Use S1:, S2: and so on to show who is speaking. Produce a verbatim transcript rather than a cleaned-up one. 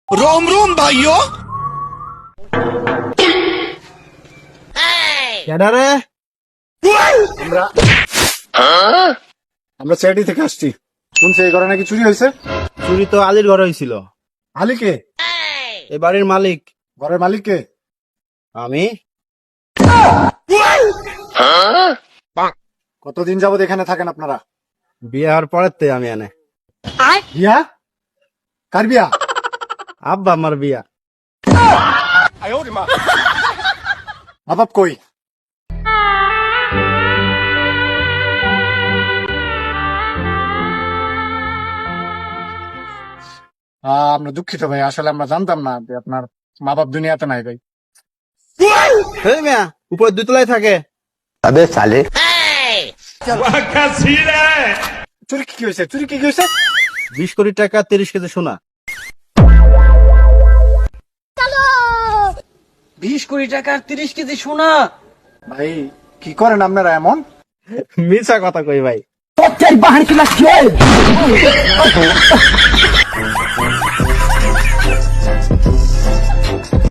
S1: रोम रोम भाइयों।
S2: কেডা রে?
S3: আমরা আমরা সিআইডি থেকে আসছি। শুনছি এই ঘরে নাকি চুরি হয়েছে।
S2: চুরি তো আলীর ঘরে হয়েছিল।
S3: আলীকে?
S2: এই বাড়ির মালিক।
S3: ঘরের মালিক কে?
S2: আমি।
S3: কতদিন যাবত এখানে থাকেন আপনারা?
S2: বিয়ে হওয়ার পরের তে আমি এনে।
S3: বিয়া? কার বিয়া?
S2: আব্বা আমার বিয়া।
S3: বাবাব কই? আহ, আমরা দুঃখিত ভাই, আসলে আমরা জানতাম না যে আপনার মা বাপ দুনিয়াতে নাই ভাই।
S2: এই মিয়া উপরে দুতলায় থাকে।
S3: চুরি কি হয়েছে? চুরি কি হয়েছে?
S2: বিশ কোটি টাকা তিরিশ কেজি সোনা।
S4: বিশ কোটি টাকার তিরিশ কেজি সোনা।
S3: ভাই কি করেন আপনারা এমন?
S2: মিছা কথা কই ভাই।
S4: তোর চাই বাহার কিনা